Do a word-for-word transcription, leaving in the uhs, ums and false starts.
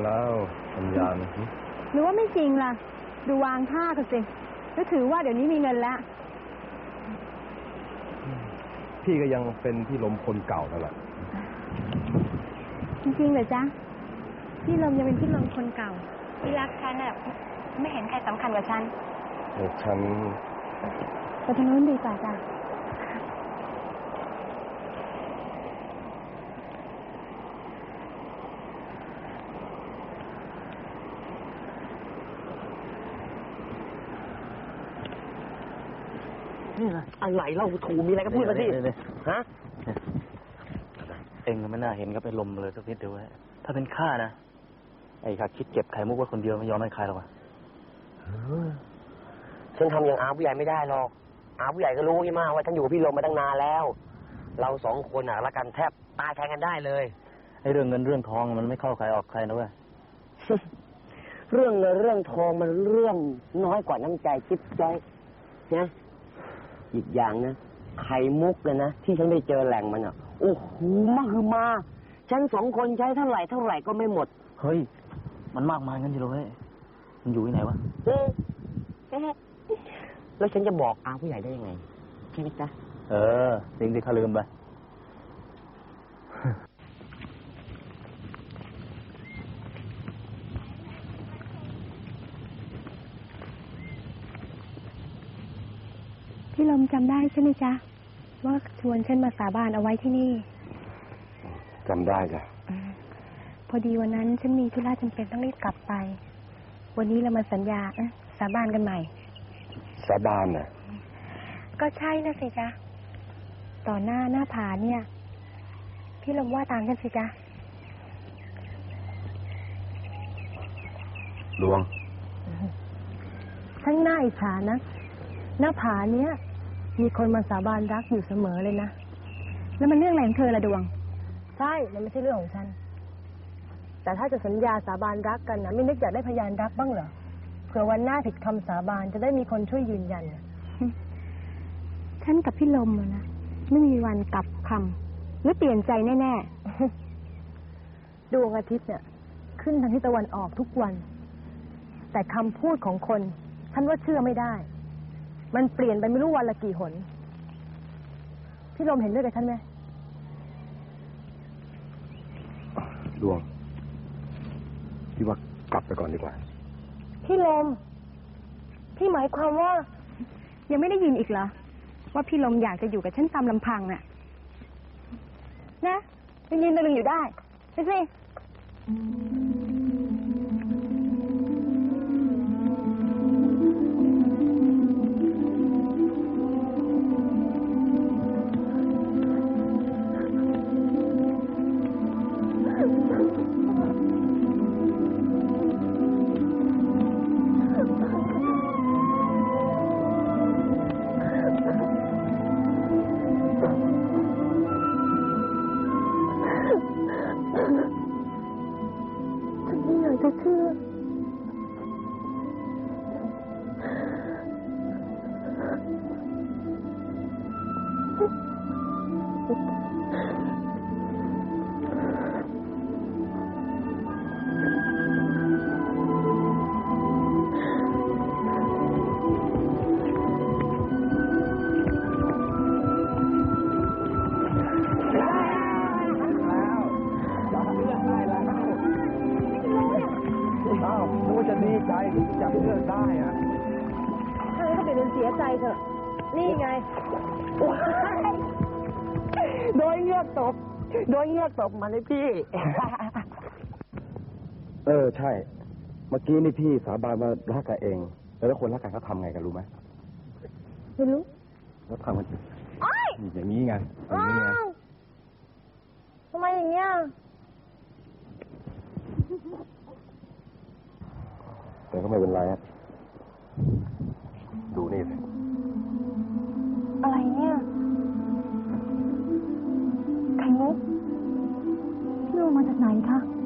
แล้วสัญญาณหรือว่าไม่จริงล่ะดูวางท่ากันสิก็ถือว่าเดี๋ยวนี้มีเงินแล้วพี่ก็ยังเป็นพี่ลมคนเก่านั่นแหละจริงๆเหรอจ๊ะพี่ลมยังเป็นพี่ลมคนเก่าที่รักฉันแบบไม่เห็นใครสำคัญกว่าฉันเด็กฉันไปทางนู้นดีกว่าจ้ะนี่นะอะไรเล่าถูมีอะไรก็พูดมาสิฮะเองไม่น่าเห็นกับไอ้ลมเลยสักนิดเดียวถ้าเป็นข้านะไอ้ข้าคิดเก็บไข่มุกไว้คนเดียวไม่ยอมให้ใครหรอกฉันทำอย่างอาผู้ใหญ่ไม่ได้หรอกอาผู้ใหญ่ก็รู้ยี่มากว่าฉันอยู่กับพี่ลมมาตั้งนานแล้วเราสองคนอ่ะรักกันแทบตายแทนกันได้เลยไอ้เรื่องเงินเรื่องทองมันไม่เข้าใครออกใครนะเว้ยเรื่องเงินเรื่องทองมันเรื่องน้อยกว่าน้ำใจจิ๊บจ้อยนะอีกอย่างนะไข่มุกเลยนะที่ฉันได้เจอแหล่งมันอ่ะโอ้โหมากคือมาฉันสองคนใช้เท่าไหร่เท่าไหร่ก็ไม่หมดเฮ้ยมันมากมายงั้นอยู่เลยมันอยู่ที่ไหนวะแล้วฉันจะบอกอาผู้ใหญ่ได้ยังไงใช่ไหมจ๊ะเออสิ่งที่ข้าลืมไปพี่ลมจำได้ใช่ไหมจ๊ะว่าชวนฉันมาสาบานเอาไว้ที่นี่จำได้จ้ะพอดีวันนั้นฉันมีธุระจำเป็นต้องรีบกลับไปวันนี้เรามาสัญญาสาบานกันใหม่สาบานน่ะก็ใช่นะสิจ๊ะต่อหน้าหน้าผาเนี่ยพี่ลมว่าตามกันสิจ๊ะดวงทั้งหน้าอิจฉานะหน้าผาเนี้ยมีคนมาสาบานรักอยู่เสมอเลยนะแล้วมันเรื่องอะไรของเธอละดวงใช่มันไม่ใช่เรื่องของฉันแต่ถ้าจะสัญญาสาบานรักกันนะไม่นึกอยากได้พยานรักบ้างเหรอเผื่อวันหน้าผิดคำสาบานจะได้มีคนช่วยยืนยันฉันกับพี่ลมนะไม่มีวันกลับคำหรือเปลี่ยนใจแน่ๆดวงอาทิตย์เนี่ยขึ้นทางทิศตะวันออกทุกวันแต่คำพูดของคนฉันว่าเชื่อไม่ได้มันเปลี่ยนไปไม่รู้วันละกี่หนพี่ลมเห็นด้วยกับฉันไหมดวงพี่ว่ากลับไปก่อนดีกว่าพี่ลมพี่หมายความว่ายังไม่ได้ยินอีกเหรอว่าพี่ลมอยากจะอยู่กับฉันตามลำพังน่ะนะยังยืนตะลึงอยู่ได้ไปสิจับเลือกได้อะถ้างั้นก็เป็นเสียใจเถอะนี่ไงโดยเงือกตบโดยเงือกตบมาเลยพี่เออใช่เมื่อกี้นี่พี่สาบานมารักกันเองแล้วคนรักกันเขาทำไงกันรู้ไหมไม่รู้เขาทำกันอย่างนี้ไงอย่างนี้ไงทำไมอย่างเงี้ยแต่ก็ไม่เป็นไรอะดูนี่สิอะไรเนี่ยไข่มุกพี่รู้มาจากไหนคะ